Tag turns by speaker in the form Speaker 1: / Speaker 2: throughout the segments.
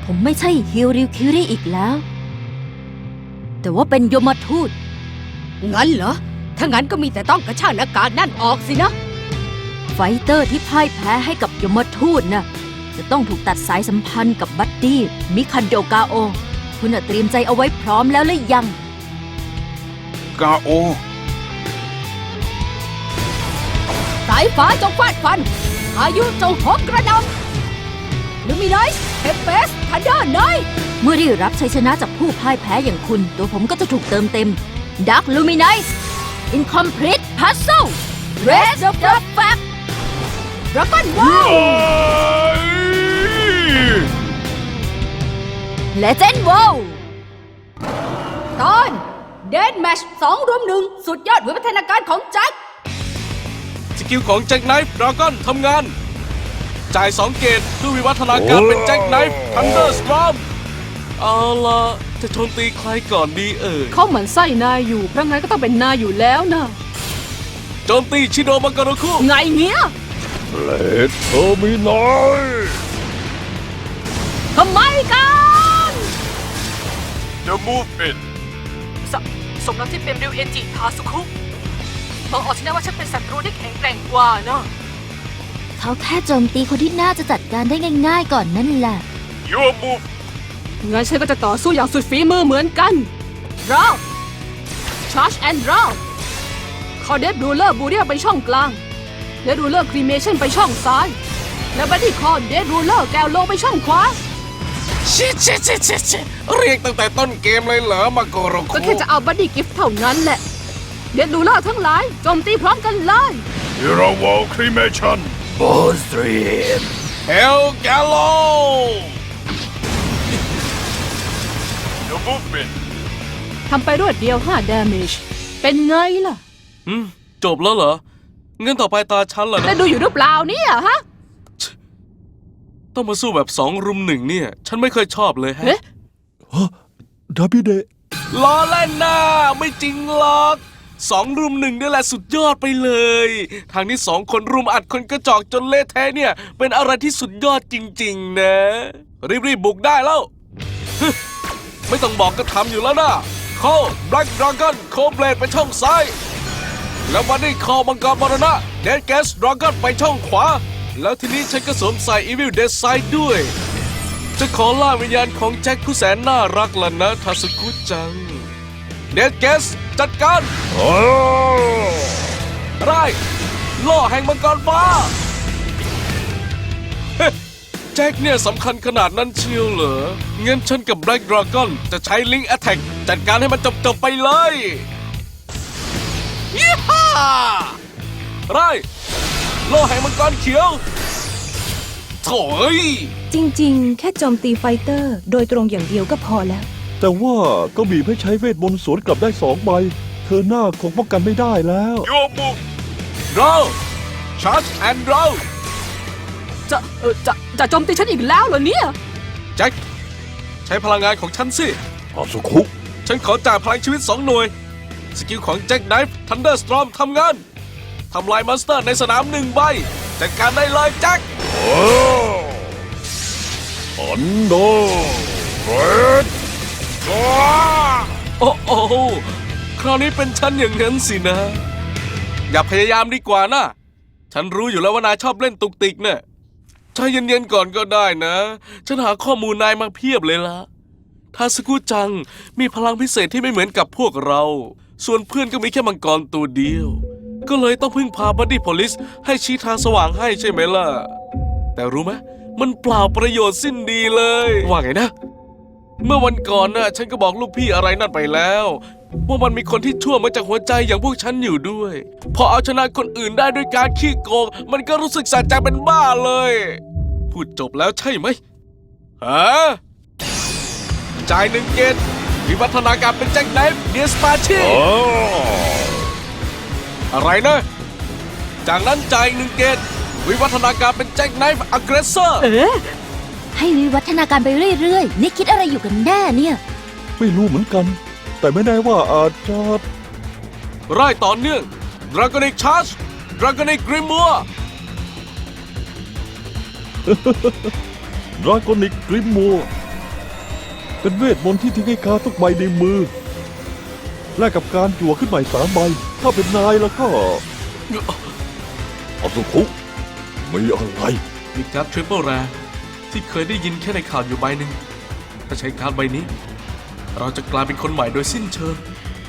Speaker 1: ผมไม่ใช่ฮิริวคิริอีกแล้ว แต่ว่าเป็นยมทูต
Speaker 2: งั้นเหรอ ถ้างั้นก็มีแต่ต้องกระชากหน้ากากนั่นออกสินะ
Speaker 1: ไฟเตอร์ที่พ่ายแพ้ให้กับยมทูตน่ะจะต้องถูกตัดสายสัมพันธ์กับบัดดี้มิคันโดกาโอ คุณเตรียมใจเอาไว้พร้อมแล้วหรือยัง
Speaker 3: กาโอ
Speaker 2: สายฟ้าจงฟาดฟันพายุจงโหมกระหน่ำลูมิไนส์เทมเปสทันเดอร์ไนท์
Speaker 1: เมื่อได้รับชัยชนะจากผู้พ่ายแพ้อย่างคุณ ตัวผมก็จะถูกเติมเต็ม Dark Luminize Incomplete Puzzle Race of the Fact
Speaker 2: ดราก้อนว้าว
Speaker 1: Legend Wow
Speaker 2: ตอนเดนแมช2-1สุดยอดวิวัฒนาการของแจ็ค
Speaker 4: สกิลของแจ็คไนฟ์ดราก้อนทำงาน จ่าย2 เกตเพื่อวิวัฒนาการเป็นแจ็คไนฟ์ทันเดอร์สตรอมเอาล่ะจะโจมตีใครก่อนดีเอ่ย
Speaker 5: เขาเหมือนไส้นายอยู่เพราะงั้นก็ต้องเป็นนายอยู่แล้วนะ
Speaker 4: โจมตีชิโดมังกรคุ
Speaker 5: ไงเงี้ย
Speaker 3: เลดเทอร์มินอย
Speaker 5: ทำไมกัน
Speaker 3: The Move In
Speaker 5: สมนับที่เป็นริวเอนจิทาสุคุบอกออกที่แน่ว่าฉันเป็นศัตรูที่แข็งแกร่งกว่านะ
Speaker 1: เขาแค่โจมตีคนที่น่าจะจัดการได้ง่ายๆก่อนนั่นแหละ
Speaker 3: Your Move
Speaker 5: งั้นฉันก็จะต่อสู้อย่างสุดฝีมือเหมือนกันรอ Charge and Draw คอเดฟรูเลอร์บูเรียไปช่องกลางเดฟรูเลอร์ครีเมชั่นไปช่องซ้าย และบัดดี้คอเดฟรูเลอร์แกวโลไปช่องขวา
Speaker 4: ชิเรียกตั้งแต่ต้นเกมเลยเหรอมังกร
Speaker 5: ก็
Speaker 4: คุ
Speaker 5: แค่จะเอาบัดดี้กิฟต์เท่านั้นแหละ เดฟรูเลอร์ทั้งหลายโจมตีพร้อมกันเลย
Speaker 3: Hero Wall Cremation Bone Stream
Speaker 4: เฮลแกลโล
Speaker 3: The Movement
Speaker 5: ทำไปรวดเดียว5 damage เป็นไงล่ะ
Speaker 4: จบแล้วเหรองั้นต่อไปตาฉันเหรอ
Speaker 5: ได้
Speaker 4: นะ
Speaker 5: ดูอยู่หรือเปล่าเนี่ยฮะ
Speaker 4: ต้องมาสู้แบบ2 รุม 1เนี่ย ฉันไม่เคยชอบเลยฮะ
Speaker 5: เอ๊ะ
Speaker 3: ดับบิเดะ
Speaker 4: ล้อเล่นนะไม่จริงหรอก2 รุม 1นี่แหละสุดยอดไปเลย ทางนี้2 คนรุมอัดคนกระจอกจนเละแท้เนี่ย เป็นอะไรที่สุดยอดจริงๆนะ รีบบุกได้แล้ว ไม่ต้องบอกก็ทำอยู่แล้วนะโคแบล็กดราก้อนโคเบลดไปช่องซ้าย แล้ววันนี้คอมังกรมรณะเดดแกสดราก้อนไปช่องขวา แล้วทีนี้ฉันก็สวมใส่อีวิลเดสไซด์ด้วย จะขอล่าวิญญาณของแจ็คผู้แสนน่ารักล่ะนะทาสุกุจัง เดดแกสจัดการ
Speaker 3: โอ้
Speaker 4: ได้ล่อแห่งมังกรฟ้า แจ็คเนี่ยสำคัญขนาดนั้นเชียวเหรองั้นฉันกับแบล็กดราก้อนจะใช้ลิงก์แอทแทกจัดการให้มันจบไปเลยยี่ห้าไรล่อแห่งมังกรเขียวโถ่เอ้ย
Speaker 6: จริงๆ แค่โจมตีไฟเตอร์โดยตรงอย่างเดียวก็พอแล้ว
Speaker 7: แต่ว่าก็บีบให้ใช้เวทมนต์สวนกลับได้2 ใบ เธอหน้าคงป้องกันไม่ได้แล้ว
Speaker 3: Your Move
Speaker 4: เราชาร์จแอนด์เรา
Speaker 5: จะโจมตีฉันอีกแล้วเหรอเนี่ย
Speaker 4: แจ็คใช้พลังงานของฉันสิ
Speaker 3: อาสุคุ
Speaker 4: ฉันขอจ่ายพลังชีวิต2 หน่วย สกิลของแจ็คไนฟ์ทันเดอร์สตรอมทำงาน ทำลายมอนสเตอร์ในสนาม 1 ใบ จัดการได้เลยแจ็ค
Speaker 3: โอ้อันโดเรด
Speaker 4: โอ้โอ้คราวนี้เป็นฉันอย่างนั้นสินะ อย่าพยายามดีกว่านะ ฉันรู้อยู่แล้วว่านายชอบเล่นตุกติกเนี่ยใจเย็นๆก่อนก็ได้นะ ฉันหาข้อมูลนายมาเพียบเลยละทาสกุจังมีพลังพิเศษที่ไม่เหมือนกับพวกเรา ส่วนเพื่อนก็มีแค่มังกรตัวเดียว ก็เลยต้องพึ่งพาบัดดี้โพลิสให้ชี้ทางสว่างให้ใช่ไหมล่ะ แต่รู้ไหมมันเปล่าประโยชน์สิ้นดีเลย ว่าไงนะ เมื่อวันก่อนน่ะฉันก็บอกลูกพี่อะไรนั่นไปแล้วว่ามันมีคนที่ชั่วมาจากหัวใจอย่างพวกฉันอยู่ด้วย พอเอาชนะคนอื่นได้ด้วยการขี้โกงมันก็รู้สึกสะใจเป็นบ้าเลย พูดจบแล้วใช่ไหมฮะจ่าย1 เกตวิวัฒนาการเป็นแจ็คไนฟ์เดียสปาชี
Speaker 3: โอ้
Speaker 4: อะไรนะ จากนั้นจ่าย1 เกตวิวัฒนาการเป็นแจ็คไนฟ์อักเรสเซอร์
Speaker 1: ให้วิวัฒนาการไปเรื่อยๆ นี่คิดอะไรอยู่กันแน่เนี่ย
Speaker 7: ไม่รู้เหมือนกัน แต่ไม่แน่ว่าอาจจะ
Speaker 4: ไล่ต่อเนื่อง Dragonic Charge Dragonic Grimoire
Speaker 7: ดราก้อนิกกริมมัวเป็นเวทมนต์ที่ทิ้งให้การทุกใบในมือแลกกับการจั่วขึ้นใหม่3 ใบ ถ้าเป็นนายแล้วก็อาสุคุมีอะไร
Speaker 4: มีการ์ดทริปเปิลแรร์ที่เคยได้ยินแค่ในข่าวอยู่ใบหนึ่งถ้าใช้การ์ดใบนี้ เราจะกลายเป็นคนใหม่โดยสิ้นเชิง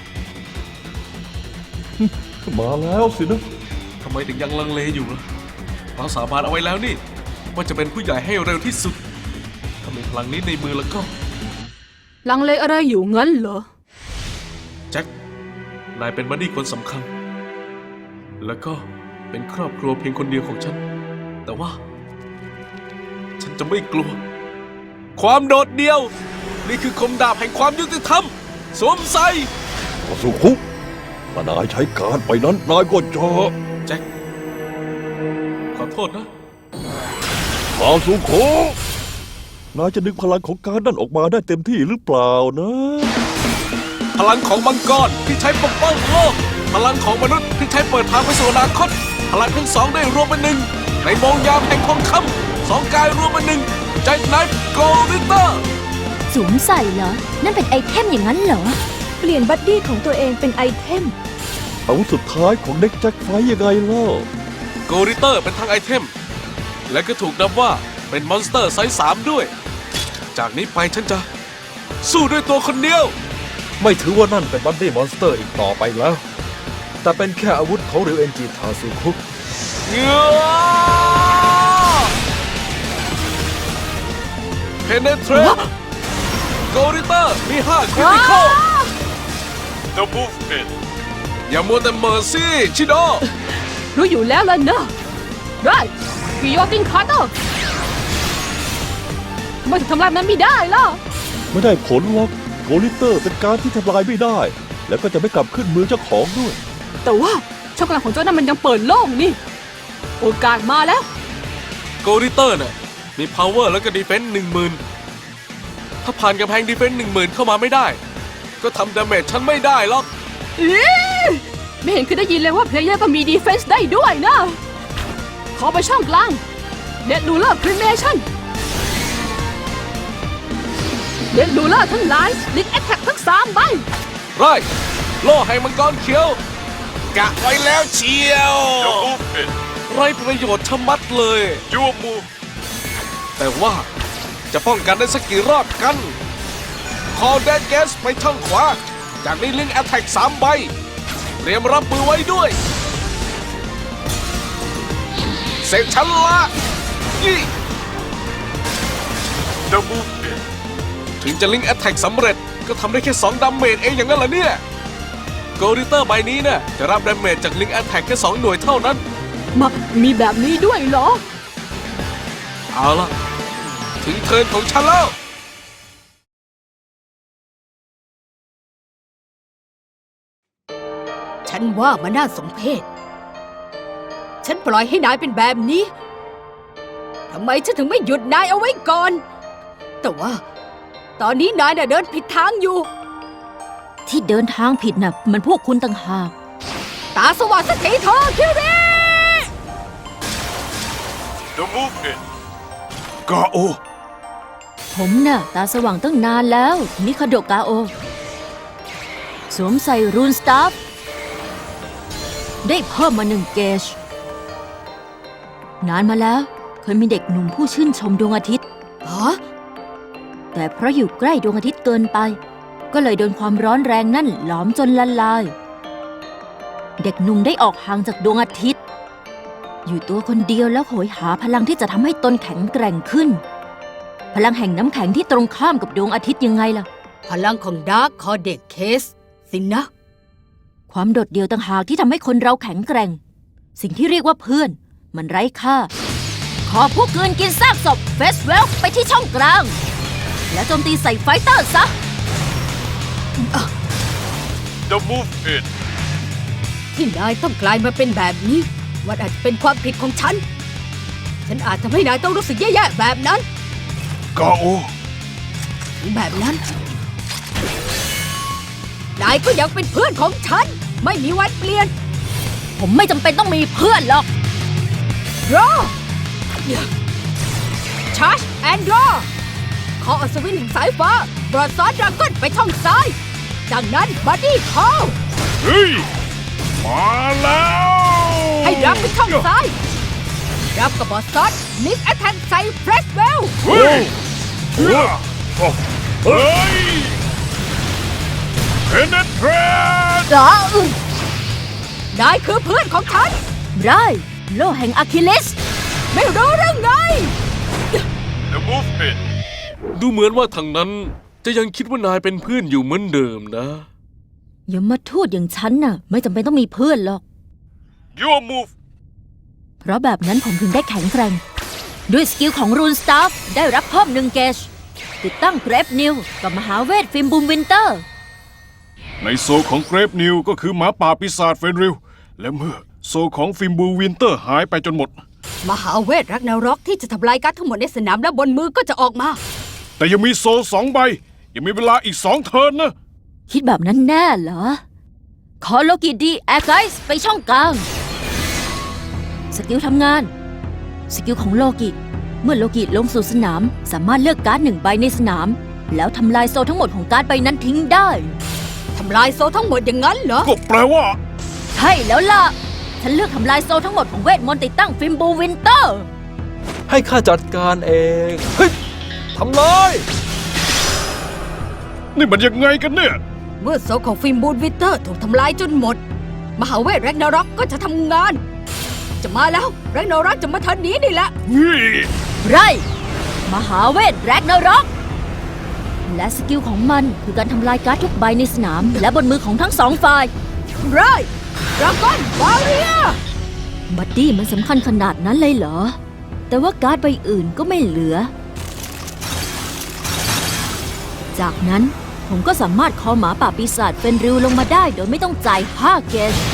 Speaker 7: มาแล้วสินะ
Speaker 4: ทำไมถึงยังลังเลอยู่ล่ะเราสาบานเอาไว้แล้วนี่ ว่าจะเป็นผู้ใหญ่ให้เร็วที่สุด ถ้ามีพลังนี้ในมือแล้วก็
Speaker 5: ลังเลอะไรอยู่งั้นเหรอ
Speaker 4: แจ็ค นายเป็นบัดดี้คนสำคัญ แล้วก็เป็นครอบครัวเพียงคนเดียวของฉัน แต่ว่า ฉันจะไม่กลัว ความโดดเดี่ยว นี่คือคมดาบแห่งความยุติธรรม สวมใส่
Speaker 7: อาสุคุถ้านายใช้การไปนั้นนายก็จะ
Speaker 4: แจ็ค ขอโทษนะ
Speaker 7: อาสุคุนายจะดึงพลังของการนั่นออกมาได้เต็มที่หรือเปล่านะ
Speaker 4: พลังของมังกรที่ใช้ปกป้องโลก พลังของมนุษย์ที่ใช้เปิดทางไปสู่อนาคต พลังทั้งสองได้รวมเป็นหนึ่ง ในโมงยามแห่งทองคำ2 กายรวมเป็นหนึ่งใจไนฟ์โกลิเตอร์
Speaker 1: สวมใส่เหรอ นั่นเป็นไอเทมอย่างนั้นเหรอ
Speaker 6: เปลี่ยนบัดดี้ของตัวเองเป็นไอเทม
Speaker 7: อาวุธสุดท้ายของเด็กแจ็คไฟยังไงล่ะ
Speaker 4: โกลิเตอร์เป็นทั้งไอเทม และก็ถูกนับว่าเป็นมอนสเตอร์ไซส์3ด้วย จากนี้ไปฉันจะสู้ด้วยตัวคนเดียว
Speaker 3: ไม่ถือว่านั่นเป็นบัดดี้มอนสเตอร์อีกต่อไปแล้ว แต่เป็นแค่อาวุธของริวเอนจิทาสุคุ
Speaker 4: เพเนเทรตโกลิเตอร์มี5คริติคอล The Movement อย่ามัวแต่เมอร์ซี่ชิโด
Speaker 5: รู้อยู่แล้วล่ะนะได้กิโยตินคาร์เตอร์ทำไมถึงทำลายมันไม่ได้ล่ะ
Speaker 7: ไม่ได้ผลหรอกโกลิเตอร์เป็นการที่ทำลายไม่ได้ แล้วก็จะไม่กลับขึ้นมือเจ้าของด้วย
Speaker 5: แต่ว่าช่องกลางของเจ้านั้นมันยังเปิดโล่งนี่ โอกาสมาแล้ว
Speaker 4: โกลิเตอร์เนี่ยมี power แล้วก็ defense 10,000 ถ้าผ่านกำแพง defense 10,000 เข้ามาไม่ได้ ก็ทำ damage ฉันไม่ได้หรอก
Speaker 5: ไม่เห็นคือได้ยินเลยว่าเพลเยอร์ก็มีดีเฟนส์ได้ด้วยนะ ขอไปช่องกลางเด็ดดูเลอร์คริเมชั่นเด็ดดูเลอร์ทั้งหลายลิกแอตแทกทั้ง3 ใบ
Speaker 4: ไรโล่ให้มังกรเขียว กะไว้แล้วเชียวไรประโยชน์ชะมัดเลยยูมูแต่ว่าจะป้องกันได้สักกี่รอบกัน คอแดนแกสไปช่องขวา จากนี้ลิงแอตแทก3 ใบ เตรียมรับมือไว้ด้วย เสกฉันละยี่ The Movement ถึงจะลิงแอตแทกสำเร็จก็ทำได้แค่2 ดาเมจเองอย่างนั้นเหรอเนี่ย โกลิเตอร์ใบนี้เนี่ยจะรับดาเมจจากลิงแอตแทกแค่2 หน่วยเท่านั้น
Speaker 5: มีแบบนี้ด้วยเหรอ
Speaker 4: เอาล่ะ ถึงเทิร์นของฉันแล้ว
Speaker 2: ฉันว่ามันน่าสมเพช ฉันปล่อยให้นายเป็นแบบนี้ ทำไมฉันถึงไม่หยุดนายเอาไว้ก่อน แต่ว่า ตอนนี้นายน่ะเดินผิดทางอยู่
Speaker 1: ที่เดินทางผิดน่ะมันพวกคุณต่างหาก
Speaker 2: ตาสว่างสักทีเถอะคิริ
Speaker 3: The Movement กาโอ
Speaker 1: ผมน่ะตาสว่างตั้งนานแล้วมิคาโดะกาโอ สวมใส่รูนสตาฟได้เพิ่มมา1 เกจ นานมาแล้วเคยมีเด็กหนุ่มผู้ชื่นชมดวงอาทิตย์
Speaker 2: ฮะ
Speaker 1: แต่เพราะอยู่ใกล้ดวงอาทิตย์เกินไป ก็เลยโดนความร้อนแรงนั่นหลอมจนละลาย เด็กหนุ่มได้ออกห่างจากดวงอาทิตย์ อยู่ตัวคนเดียวแล้วโหยหาพลังที่จะทำให้ตนแข็งแกร่งขึ้น พลังแห่งน้ำแข็งที่ตรงข้ามกับดวงอาทิตย์ยังไงล่ะ
Speaker 2: พลังของดาร์คคอเด็กเคสสินะ
Speaker 1: ความโดดเดี่ยวต่างหากที่ทำให้คนเราแข็งแกร่ง สิ่งที่เรียกว่าเพื่อน มันไร้ค่า ขอผู้เกินกินซากศพเฟสเวลไปที่ช่องกลาง และโจมตีใส่ไฟเตอร์ซะ
Speaker 3: The Movement
Speaker 2: ที่นายต้องกลายมาเป็นแบบนี้ว่าอาจจะเป็นความผิดของฉัน ฉันอาจทำให้นายต้องรู้สึกแย่ๆแบบนั้น
Speaker 3: กาโอ
Speaker 2: ถึงแบบนั้น นายก็ยังเป็นเพื่อนของฉัน ไม่มีวันเปลี่ยน
Speaker 1: ผมไม่จำเป็นต้องมีเพื่อนหรอก
Speaker 2: รอชาร์จแอนด์รอคออัศวินแห่งสายฟ้าบรอดซอสดราก้อนไปช่องซ้าย จากนั้นบัดดี้คอล
Speaker 7: เฮ้ย มาแล้ว
Speaker 2: ให้รับไปช่องซ้าย รับกับบอสซอสมิกแอทแทกใส่เฟรชเวล
Speaker 7: เฮ้ยเฮ้ยเฮ้ยเพนเนตร
Speaker 2: นายคือเพื่อนของฉัน
Speaker 1: ไรโลแห่งอะคิลิส
Speaker 2: ไม่รู้เรื่องไง
Speaker 7: The movement
Speaker 4: ดูเหมือนว่าทางนั้นจะยังคิดว่านายเป็นเพื่อนอยู่เหมือนเดิมนะ
Speaker 1: อย่ามาทูดอย่างฉันน่ะ ไม่จำเป็นต้องมีเพื่อนหรอก
Speaker 7: Your move
Speaker 1: เพราะแบบนั้นผมถึงได้แข็งแกร่ง ด้วยสกิลของรูนสตาฟได้รับเพิ่ม1 เกจติดตั้งเกรฟนิวกับมหาเวทฟิล์มบูมวินเตอร์
Speaker 7: ในโซของเกรฟนิวก็คือหมาป่าปีศาจเฟนริลและเมื่อโซของฟิมบูวินเตอร์หายไปจนหมด
Speaker 2: มหาเวทรักนารอกที่จะทำลายการ์ดทั้งหมดในสนามและบนมือก็จะออกมา
Speaker 7: แต่ยังมีโซ2 ใบ ยังมีเวลาอีก2 เทิร์นนะ
Speaker 1: คิดแบบนั้นแน่เหรอ ขอโลกิดีแอร์ไกส์ไปช่องกลาง สกิลทำงาน สกิลของโลกิเมื่อโลกิลงสู่สนาม สามารถเลือกการ์ด1 ใบในสนาม แล้วทำลายโซทั้งหมดของการ์ดใบนั้นทิ้งได้
Speaker 2: ทำลายโซทั้งหมดอย่างนั้นเหรอ
Speaker 7: ก็แปลว่า
Speaker 1: ใช่แล้วล่ะ ฉันเลือกทำลายโซทั้งหมดของเวทมนต์ติดตั้งฟิล์มบูวินเตอร์
Speaker 3: ให้ข้าจัดการเอง เฮ้ย ทำเลย
Speaker 7: นี่มันยังไงกันเนี่ย
Speaker 2: เมื่อโซของฟิล์มบูนวิเตอร์ถูกทำลายจนหมด มหาเวทแรกนารอกก็จะทำงาน จะมาแล้วแรกนารอกจะมาทันนี้นี่แหละ
Speaker 7: เฮ้ย
Speaker 1: ไรมหาเวทแรกนารอกและสกิลของมันคือการทำลายการ์ดทุกใบในสนาม และบนมือของทั้ง2 ฝ่าย
Speaker 2: ไรดราก้อนบาเรีย
Speaker 1: บัดดี้มันสำคัญขนาดนั้นเลยเหรอ แต่ว่าการ์ดใบอื่นก็ไม่เหลือ จากนั้นผมก็สามารถคอหมาป่าปีศาจเป็นริวลงมาได้โดยไม่ต้องจ่าย5 เกจ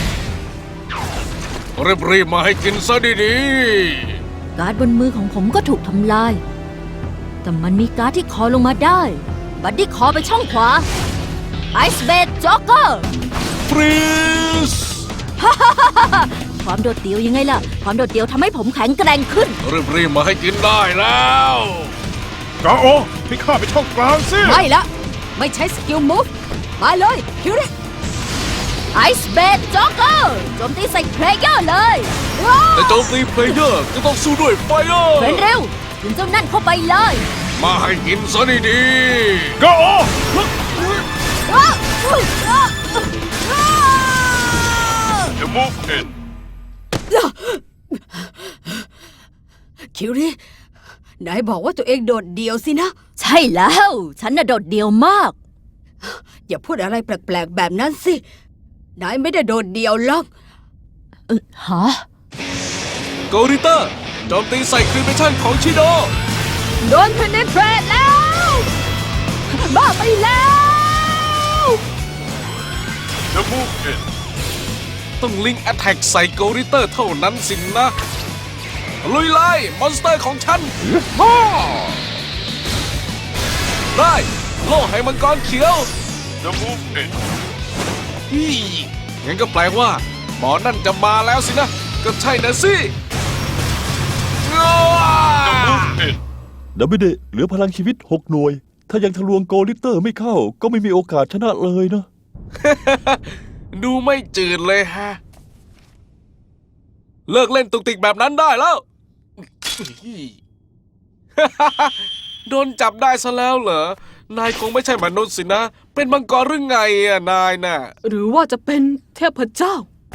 Speaker 4: รีบๆมาให้กินซะดี
Speaker 1: การ์ดบนมือของผมก็ถูกทำลาย แต่มันมีการ์ดที่คอลงมาได้ บัดดี้คอไปช่องขวาไอซ์เบดจ็อกเกอร์
Speaker 4: ๆฟรีส
Speaker 1: ความโดดเดี่ยวยังไงล่ะ ความโดดเดี่ยวทำให้ผมแข็งแกร่งขึ้น
Speaker 4: รีบๆมาให้กินได้แล้ว
Speaker 7: กาโอให้ข้าไปช่องกลางสิ
Speaker 2: ไม่ละ ไม่ใช้สกิลมูฟมาเลยคิวริ
Speaker 1: ไอซ์เบดจ็อกเกอร์โจมตีใส่เพลเยอร์เลย
Speaker 4: แต่โจมตีเพลเยอร์ก็ต้องสู้ด้วยไฟเออร์
Speaker 1: เป็นเร็วถึงเจ้านั่นเข้าไปเลย
Speaker 4: มาให้กินซะดี
Speaker 7: กาโอ The movement
Speaker 2: คิวรินายบอกว่าตัวเองโดดเดี่ยวสินะ
Speaker 1: ใช่แล้ว ฉันน่ะโดดเดี่ยวมาก
Speaker 2: อย่าพูดอะไรแปลกๆแบบนั้นสิ นายไม่ได้โดดเดี่ยวหรอก
Speaker 1: ฮะ
Speaker 4: ๆโกริเตอร์โจมตีใส่ครีเมชั่นของชิโด
Speaker 2: โดนเพนเนเทรตแล้ว บ้าไปแล้ว
Speaker 7: The movement
Speaker 4: ต้องลิงแอตแทกใส่โกริเตอร์เท่านั้นสินนะ ลุยไล่มอนสเตอร์ของฉันฮ่าได้โล่ให้มังกรเขียว
Speaker 7: The movement
Speaker 4: ฮีงั้นก็แปลว่า หมอนั่นจะมาแล้วสินะ ก็ใช่นะสิง้า
Speaker 7: The movement
Speaker 8: ดับเบิลเดเหลือพลังชีวิต 6 หน่วย ถ้ายังทะลวงโกลิเตอร์ไม่เข้า ก็ไม่มีโอกาสชนะเลยนะ
Speaker 4: ดูไม่จืดเลยฮะ เลิกเล่นตุกติกแบบนั้นได้แล้ว โดนจับได้ซะแล้วเหรอ นายคงไม่ใช่มนุษย์สินะ เป็นมังกรหรือไงอะนายน่ะ
Speaker 5: หรือว่าจะเป็นเทพเจ้า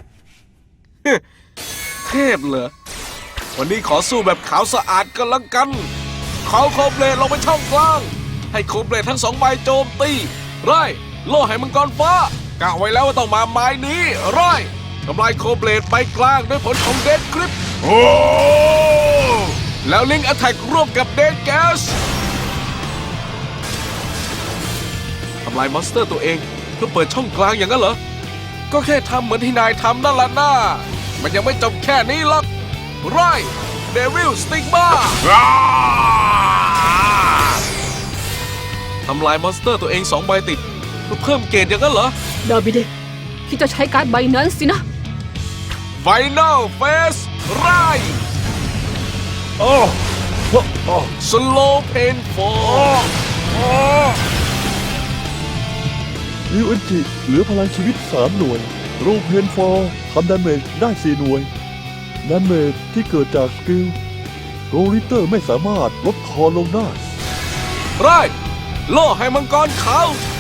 Speaker 4: เทพเหรอ วันนี้ขอสู้แบบขาวสะอาดกันละกัน เขาโคเบลดลงไปช่องกลาง ให้โคเบลดทั้ง2 ใบโจมตีไร่โล่ให้มังกรฟ้ากะไว้แล้วว่าต้องมาไม้นี้ไร่ทำลายโคเบลดไปกลางด้วยผลของเดดกริป
Speaker 7: โอ้
Speaker 4: แล้วลิงก์แอตแทกร่วมกับเดดแกสทำลายมอนสเตอร์ตัวเองเพื่อเปิดช่องกลางอย่างนั้นเหรอ ก็แค่ทำเหมือนที่นายทำนั่นแหละนะมันยังไม่จบแค่นี้หรอกไรเดวิลสติกมาทำลายมอนสเตอร์ตัวเอง2 ใบติดเพื่อเพิ่มเกรดอย่างนั้นเหรอ
Speaker 5: ดาบิเดคิดจะใช้การ์ดใบนั้นสินะ
Speaker 4: ไฟนอลเฟสไร
Speaker 7: โอ้
Speaker 4: สโลเพนฟอร์
Speaker 8: ริวเอนจิเหลือพลังชีวิต 3 หน่วย โรเพนฟอร์ทำดาเมจได้ 4 หน่วย ดาเมจที่เกิดจากสกิลโกลิเตอร์ไม่สามารถลดคอลงได้
Speaker 4: ไรโล่ให้มังกรขาว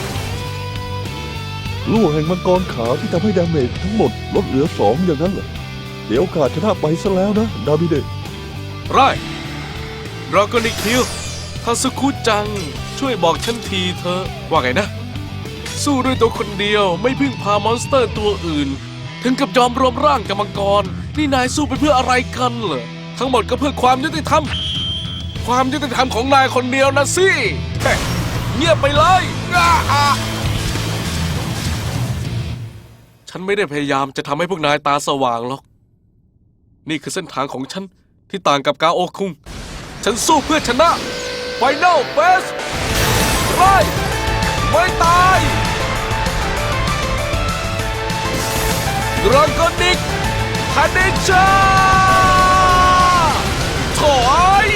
Speaker 8: ลูกแห่งมังกรขาวที่ทำให้ดาเมจทั้งหมดลดเหลือ 2 อย่างนั้นเหรอ เดี๋ยวโอกาสชนะไปซะแล้วนะ ดาบิเดะ
Speaker 4: ไรดราก้อนิคิวทาสุคุจัง ช่วยบอกฉันทีเธอะว่าไงนะ สู้ด้วยตัวคนเดียวไม่พึ่งพามอนสเตอร์ตัวอื่น ถึงกับยอมรวมร่างกับมังกร นี่นายสู้ไปเพื่ออะไรกันเหรอ ทั้งหมดก็เพื่อความยุติธรรม ความยุติธรรมของนายคนเดียวนะสิแค่เงียบไปเลยฉันไม่ได้พยายามจะทำให้พวกนายตาสว่างหรอก นี่คือเส้นทางของฉันที่ต่างกับกาโอคุง ฉันสู้เพื่อชนะไฟนอลเฟสไม่ตายดราก้อนิกคาเนชาถอย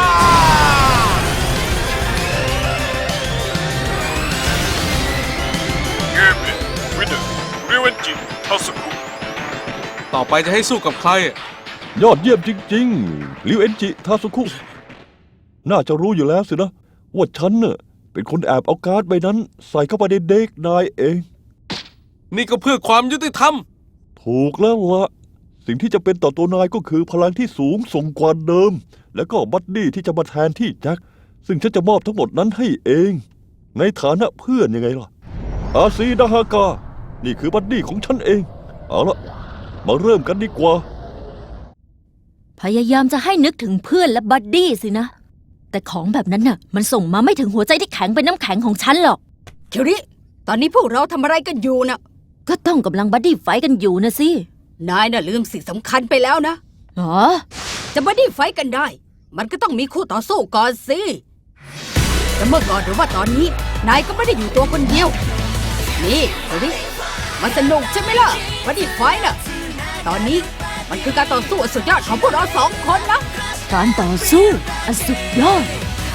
Speaker 7: เกมนี้วินเนอร์ริวเอนจิทาสุคุ
Speaker 4: ต่อไปจะให้สู้กับใคร
Speaker 8: ยอดเยี่ยมจริงๆ ริวเอนจิ ทาสุคุ น่าจะรู้อยู่แล้วสินะ ว่าฉันเน่ะเป็นคนแอบเอาการ์ดใบนั้นใส่เข้าไปในเด็กนายเอง
Speaker 4: นี่ก็เพื่อความยุติธรรม
Speaker 8: ถูกแล้วละสิ่งที่จะเป็นต่อตัวนายก็คือพลังที่สูงส่งกว่าเดิม แล้วก็บัดดี้ที่จะมาแทนที่แจ็คซึ่งฉันจะมอบทั้งหมดนั้นให้เอง ในฐานะเพื่อนยังไงล่ะ อาซีดาฮากา นี่คือบัดดี้ของฉันเอง เอาละมาเริ่มกันดีกว่า
Speaker 1: พยายามจะให้นึกถึงเพื่อนและบัดดี้สินะ แต่ของแบบนั้นน่ะ มันส่งมาไม่ถึงหัวใจที่แข็งเป็นน้ำแข็งของฉันหรอก
Speaker 2: คิริ ตอนนี้พวกเราทำอะไรกันอยู่น่ะ
Speaker 1: ก็ต้องกำลังบัดดี้ไฟท์กันอยู่นะสิ
Speaker 2: นายน่ะลืมสิ่งสำคัญไปแล้วนะ
Speaker 1: อ๋อ
Speaker 2: จะบัดดี้ไฟท์กันได้ มันก็ต้องมีคู่ต่อสู้ก่อนสิจะเมื่อก่อนหรือว่าตอนนี้ นายก็ไม่ได้อยู่ตัวคนเดียว นี่คิริ มันสนุกใช่ไหมล่ะบัดดี้ไฟท์น่ะ ตอนนี้มันคือการต่อสู้อันสุดยอดของพวกเรา2 คนนะ
Speaker 1: การต่อสู้อันสุดยอด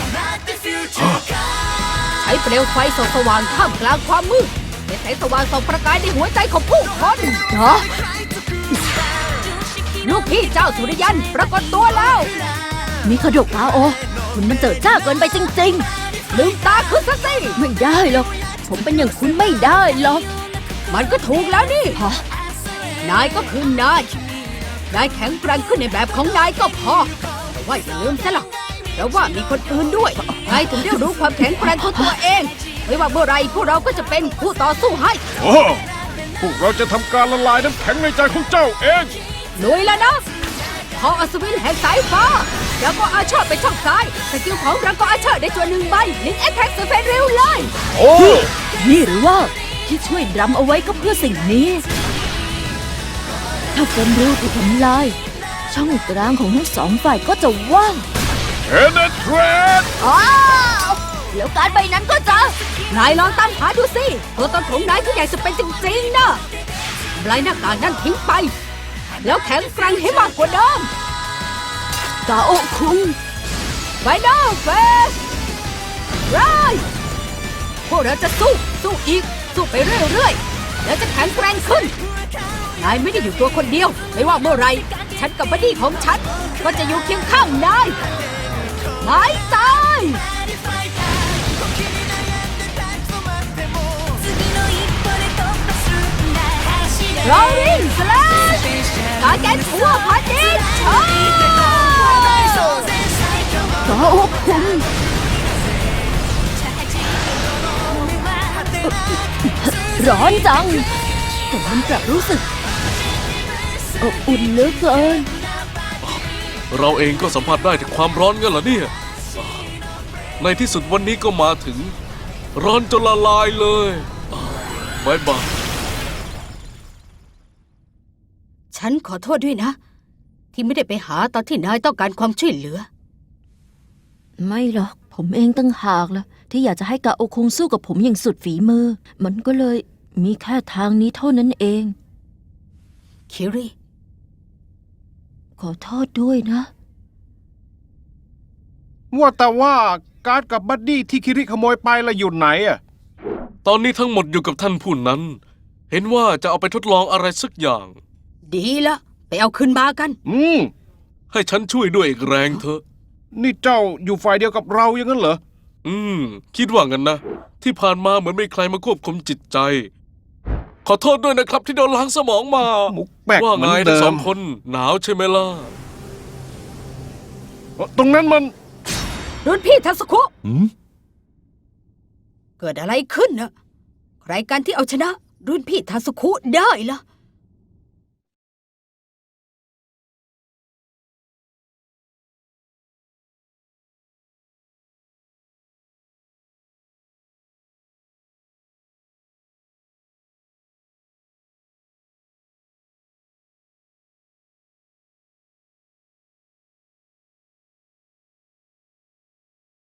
Speaker 2: ใช้เปลวไฟส่องสว่างท่ามกลางความมืดเป็นแสงสว่างส่องประกายในหัวใจของผู้คน
Speaker 1: เหรอ
Speaker 2: ลูกพี่เจ้าสุริยันปรากฏตัวแล้ว
Speaker 1: มีขดกอาโอ คุณมันเจิดจ้าเกินไปจริง
Speaker 2: ลืมตาขึ้นซะสิ
Speaker 1: ๆ ไม่ได้หรอก ผมเป็นอย่างคุณไม่ได้หรอก
Speaker 2: มันก็ถูกแล้วนี่
Speaker 1: ฮะ
Speaker 2: นายก็คือนาย นายแข็งแกร่งขึ้นในแบบของนายก็พอ แต่ว่าอย่าลืมซะล่ะแต่ว่ามีคนอื่นด้วยนายถึงได้รู้ความแข็งแกร่งของตัวเอง ไม่ว่าเมื่อไรพวกเราก็จะเป็นผู้ต่อสู้ให้
Speaker 7: โอ้พวกเราจะทำการละลายน้ำแข็งในใจของเจ้าเอง
Speaker 2: ลุยแล้วนะพออัศวินแห่งสายฟ้าแล้วก็อาเชอร์ไปช่องซ้ายสกิลของเราก็อาเชอร์ได้ตัว1 ใบลิงแอคแท็กสุดเฟรนเร็วเลย
Speaker 7: โอ้
Speaker 1: นี่หรือว่าที่ช่วยดรัมเอาไว้ก็เพื่อสิ่งนี้ ถ้าเฟรนริวถูกทำลาย ช่องกลางของทั้ง2 ฝ่ายก็จะว่าง
Speaker 7: เอเนเทรด
Speaker 1: อ้าวแล้วการใบนั้นก็จะ
Speaker 2: นายลองตามหาดูสิตัวตนของนายที่ใหญ่สุดเป็นจริงๆนะทำลายหน้ากากนั่นทิ้งไป แล้วแข็งแกร่งให้มากกว่าเดิม
Speaker 1: กาโอะคุง
Speaker 2: ไฟนอลเฟสไรพวกเราจะสู้อีก สู้ไปเรื่อยๆ แล้วจะแข็งแกร่งขึ้น นายไม่ได้อยู่ตัวคนเดียว ไม่ว่าเมื่อไร ฉันกับบัดดี้ของฉัน ก็จะอยู่เคียงข้างนายไม่ตายโรลลิ่งสแลชการแกนทั่วพาดินเชอ
Speaker 1: กาโอะคุง ร้อนจัง แต่มันกลับรู้สึกอบอุ่นเหลือเกิน
Speaker 4: เราเองก็สัมผัสได้ถึงความร้อนกันเหรอเนี่ย ในที่สุดวันนี้ก็มาถึง ร้อนจนละลายเลยบายบาย
Speaker 2: ฉันขอโทษด้วยนะ ที่ไม่ได้ไปหาตอนที่นายต้องการความช่วยเหลือ
Speaker 1: ไม่หรอก ผมเองตั้งหากล่ะ ที่อยากจะให้กาโอะคุงสู้กับผมอย่างสุดฝีมือ มันก็เลยมีแค่ทางนี้เท่านั้นเอง
Speaker 2: คิริ
Speaker 1: ขอโทษด้วยนะ
Speaker 7: ว่าแต่ว่าการ์ดกับบัดดี้ที่คิริขโมยไปละอยู่ไหนอะ
Speaker 4: ตอนนี้ทั้งหมดอยู่กับท่านผู้นั้น เห็นว่าจะเอาไปทดลองอะไรสักอย่าง
Speaker 2: ดีละไปเอาขึ้นมากัน
Speaker 4: ให้ฉันช่วยด้วยอีกแรงเถอะ
Speaker 7: นี่เจ้าอยู่ฝ่ายเดียวกับเราอย่างนั้นเหรอ
Speaker 4: คิดว่างั้นนะ ที่ผ่านมาเหมือนไม่ใครมาควบคุมจิตใจ ขอโทษด้วยนะครับที่โดนล้างสมองมา
Speaker 7: มุกแปลก
Speaker 4: ว่า
Speaker 7: เหมื
Speaker 4: ไง
Speaker 7: อน
Speaker 4: ทั้
Speaker 7: เดิ
Speaker 4: งสอ
Speaker 7: ม
Speaker 4: งคนหนาวใช่ไหมล่ะ
Speaker 7: ตรงนั้นมัน
Speaker 2: รุ่นพี่ทัศคุ
Speaker 8: หืม
Speaker 2: เกิดอะไรขึ้นนะใครกันที่เอาชนะ รุ่นพี่ทัศคุได้ล่ะ